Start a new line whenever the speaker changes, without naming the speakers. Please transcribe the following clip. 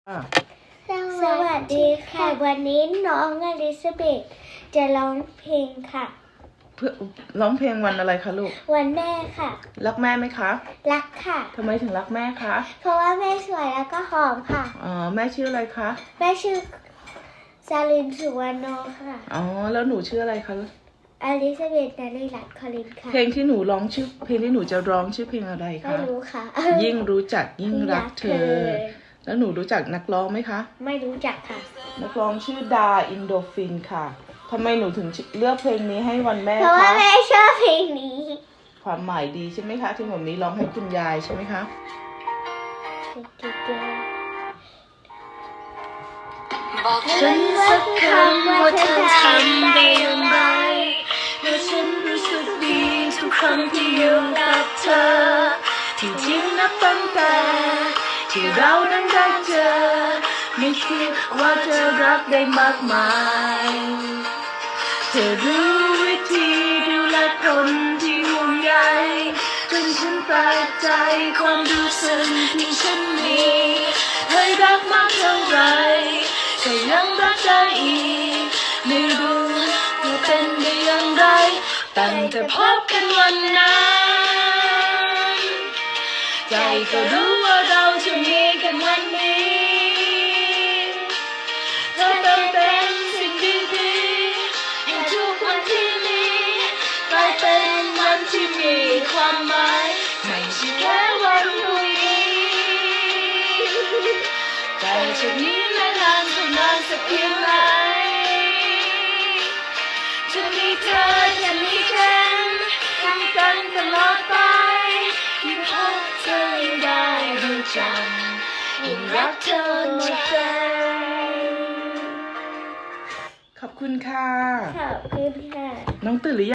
อ่ะ
สวัสดีค่ะ วันนี้น้องอลิซาเบธจะร้องเพลงค่ะ
เพื่อร้องเพลงวันอะไรคะลูก
วันแม่ค่ะ
รักแม่ไหมคะ
รักค่ะ
ทำไมถึงรักแม่คะ
เพราะว่าแม่สวยแล้วก็หอมค่ะ
แม่ชื่ออะไรคะ
แม่ชื่อซาลินสุวรรณโนค่ะ
แล้วหนูชื่ออะไรคะ
อลิซาเบธนารีรัตน์คอลินค่ะ
เพลงที่หนูร้องเพลงที่หนูจะร้องชื่อเพลงอะไร
ไม่
คะ
รู้ค่ะ
ยิ่งรู้จักยิ่งรักเธอ แล้วหนูรู้จักนักร้องไหมคะ
ไม่รู้จักค่ะ
นักร้องชื่อดาอินโดฟินค่ะทำไมหนูถึงเลือกเพลงนี้ให้วันแม่
เพราะว่า
คะ
แม่ชอบเพลงนี้
ความหมายดีใช่ไหมคะ ที่ผมนี้ร้องให้คุณยายใช่ไหมคะ
บอกฉันสักคำว่าเธอทำได้อย่างไร
เมื่อฉันรู้สึกดีทุกครั้งที่อยู่กับเธอที่จริงนับตั้งแต่ที่เรานั้นได้เจอไม่คิดว่าเธอรักได้มากมายเธอรู้วิธีดูแลคนที่ห่วงใยจนฉันแปลกใจความรู้สึกที่ฉันมีให้รักมากเท่าไรแต่ยังรักได้อีกไม่รู้ว่าเป็นได้อย่างไรตั้งแต่พบกันวันนั้นใจก็รู้ว่าเราจะมีกันวันนี้เธอเติมเต็มสิ่งดีๆให้ทุกวันที่มีกลายเป็นวันที่มีความหมายไม่ใช่แค่วันพรุ่งนี้แต่จากนี้และนานเท่านานสักเพียงไหนจะมีเธอจะมีฉันอยู่กันตลอดไปยิ่งพบเธอยิ่งได้รู้จักยิ่งรักเธอหมดใจขอบคุณค่ะ
ขอบคุณค่ะ
น้องตื่นหรือยัง